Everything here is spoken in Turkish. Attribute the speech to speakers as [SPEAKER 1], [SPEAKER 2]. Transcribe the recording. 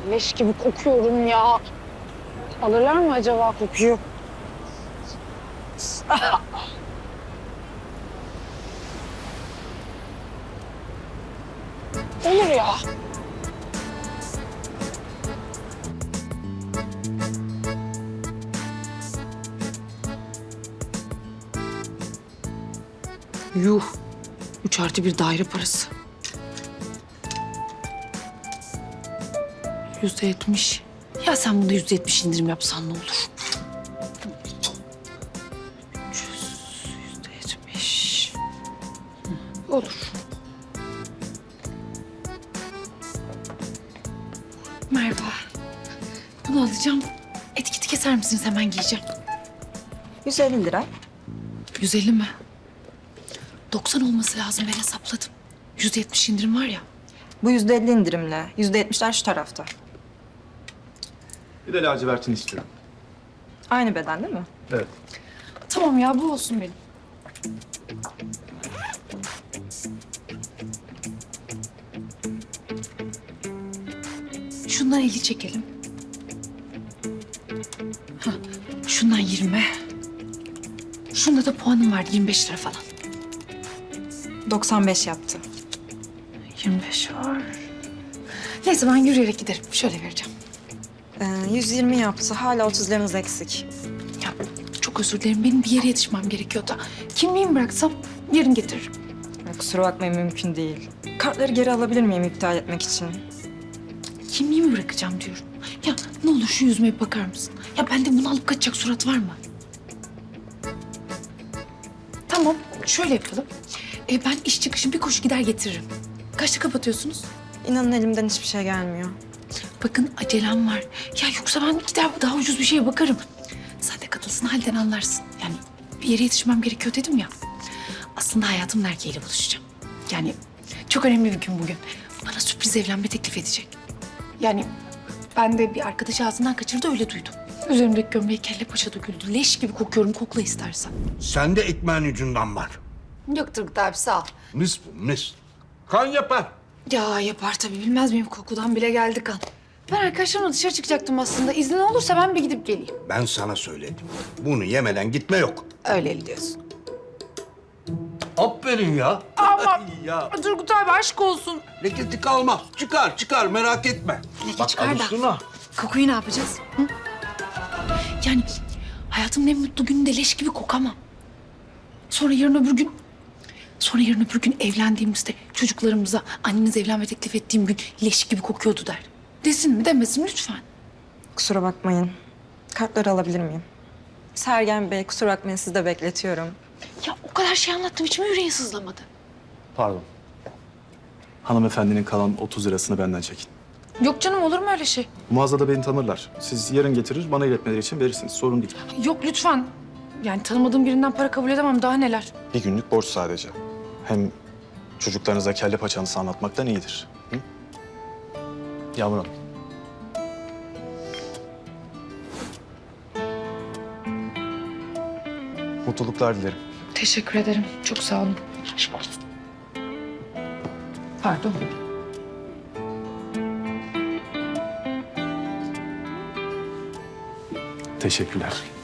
[SPEAKER 1] Leş gibi kokuyorum ya. Alırlar mı acaba kokuyu? Olur ya. Yuh. 3+1 daire parası. %70. Ya sen bunda %70 indirim yapsan ne olur? 300, %70. Olur. Merhaba. Bunu alacağım. Etiketi keser misiniz? Hemen giyeceğim.
[SPEAKER 2] 150 lira.
[SPEAKER 1] 150 mi? 90 olması lazım, ben hesapladım. %70 indirim var ya.
[SPEAKER 2] Bu %50 indirimle. %70'ler şu tarafta.
[SPEAKER 3] Bir de lacivertini istiyorum.
[SPEAKER 2] Aynı beden değil mi?
[SPEAKER 3] Evet.
[SPEAKER 1] Tamam ya, bu olsun benim. Şundan 50 çekelim. Hah, şundan 20. Şunda da puanım vardı, 25 lira falan.
[SPEAKER 2] 95 yaptı.
[SPEAKER 1] 25 var. Neyse ben yürüyerek giderim. Şöyle vereceğim.
[SPEAKER 2] 120 yaptı. Hala 30 liranız eksik.
[SPEAKER 1] Ya çok özür dilerim. Benim bir yere yetişmem gerekiyor da. Kimliğimi bıraksam yarın getiririm.
[SPEAKER 2] Kusura bakmayın, mümkün değil. Kartları geri alabilir miyim iptal etmek için?
[SPEAKER 1] Kimliğimi bırakacağım diyorum. Ya ne olur şu yüzüme bir bakar mısın? Ya bende bunu alıp kaçacak surat var mı? Tamam, şöyle yapalım. Ben iş çıkışı bir koşu gider getiririm. Kaçta kapatıyorsunuz?
[SPEAKER 2] İnanın elimden hiçbir şey gelmiyor.
[SPEAKER 1] Bakın acelem var. Ya yoksa ben gider daha ucuz bir şeye bakarım. Sen de katılsın halden anlarsın. Yani bir yere yetişmem gerekiyor dedim ya. Aslında hayatımın erkeğiyle buluşacağım. Yani çok önemli bir gün bugün. Bana sürpriz evlenme teklif edecek. Yani ben de bir arkadaş ağzından kaçırdı, öyle duydum. Üzerimdeki gömleği kelle paça döküldü. Leş gibi kokuyorum, kokla istersen.
[SPEAKER 4] Sende ekmeğin ucundan var.
[SPEAKER 1] Yok Turgut abi, sağ ol.
[SPEAKER 4] Mis bu, mis. Kan yapar.
[SPEAKER 1] Ya yapar tabii, bilmez miyim, kokudan bile geldi kan. Ben arkadaşlarımla dışarı çıkacaktım aslında. İznin olursa ben bir gidip geleyim.
[SPEAKER 4] Ben sana söyledim. Bunu yemeden gitme yok.
[SPEAKER 1] Öyle diyorsun.
[SPEAKER 4] Aferin ya.
[SPEAKER 1] Ama
[SPEAKER 4] ya.
[SPEAKER 1] Turgut abi aşk olsun.
[SPEAKER 4] Leketi kalmaz. Çıkar, çıkar. Merak etme.
[SPEAKER 1] Leke çıkar da.
[SPEAKER 4] alıştın ha.
[SPEAKER 1] Kokuyu ne yapacağız? Hı? Yani hayatımın en mutlu gününde leş gibi kokamam. Sonra yarın öbür gün evlendiğimizde çocuklarımıza anneniz evlenme teklif ettiğim gün leş gibi kokuyordu der. Desin mi demesin lütfen.
[SPEAKER 2] Kusura bakmayın. Kartları alabilir miyim? Sergen Bey, kusura bakmayın, sizi de bekletiyorum.
[SPEAKER 1] Ya o kadar şey anlattım, hiç mi yüreğin sızlamadı?
[SPEAKER 3] Pardon. Hanımefendinin kalan 30 lirasını benden çekin.
[SPEAKER 1] Yok canım, olur mu öyle şey?
[SPEAKER 3] Mağazada beni tanırlar. Siz yarın getirir, bana iletmeleri için verirsiniz. Sorun değil.
[SPEAKER 1] Yok lütfen. Yani tanımadığım birinden para kabul edemem, daha neler.
[SPEAKER 3] Bir günlük borç sadece. Hem çocuklarınıza kelle paçanızı anlatmaktan iyidir. Hı? Yağmur Hanım. Mutluluklar dilerim.
[SPEAKER 1] Teşekkür ederim, çok sağ olun. Aşk olsun. Pardon.
[SPEAKER 3] Teşekkürler.